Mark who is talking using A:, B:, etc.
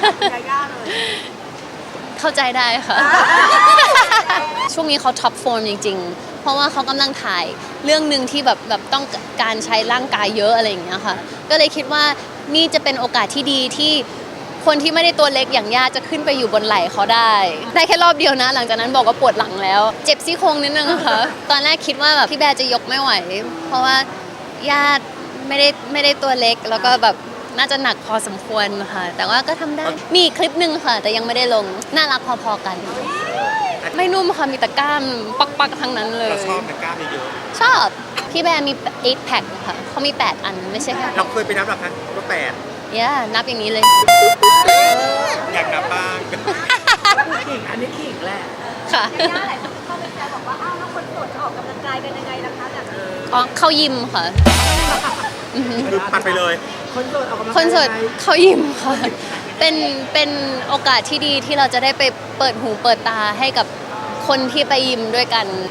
A: ยาย่าเลย
B: เข้าใจได้ค่ะ ช่วงนี้เขาท็อปฟอร์มจริงๆ เพราะว่าเขากำลังถ่ายเรื่องหนึ่งที่แบบต้องการใช้ร่างกายเยอะอะไรอย่างเงี้ยค่ะ ก็เลยคิดว่านี่จะเป็นโอกาสที่ดีที่คนที่ไม่ได้ตัวเล็กอย่างย่าจะขึ้นไปอยู่บนไหล่เขาได้แค่รอบเดียวนะ หลังจากนั้นบอกว่าปวดหลังแล้ว เจ็บซี่โครงนิดนึงอะค่ะ ตอนแรกคิดว่าแบบพี่แบร์จะยกไม่ไหว เพราะว่าย่าไม่ได้ตัวเล็กแล้วก็แบบน่าจะหนักพอสมควรค่ะ แต่ว่าก็ทำได้ มีอีกคลิปหนึ่งค่ะ แต่ยังไม่ได้ลง น่ารักพอๆกัน ไม่นุ่มค่ะ มีแต่กล้ามปักๆทั้งนั้นเลย
C: เราชอบนะกล้ามเยอะ
B: ชอบ พี่แบร์มี8 แพ็คค่ะเขามี 8 อันไม่ใช่แค่
C: เราเคยไปนับหลักครั้งก็8
B: นับอย่างนี้เลย
C: อยากนับบ้าง
A: ขิงอันนี้ขิงแหละ
B: ค่ะ
D: ยาย่าหลายคนเข้าไปแซวบอกว่าอ้าวแล้วคนโสดจะออกกำลังกายกันยังไงล่ะคะแบบ
B: อ๋อเข้ายิมค่ะอือหือ
C: คือปัดไปเลย
A: คนโสดออกกำลังกาย
B: คนโสด
A: ยังไง
B: เข้ายิมค่ะ เป็นโอกาสที่ดีที่เราจะได้ไปเปิดหูเปิดตาให้กับคนที่ไปยิมด้วยกัน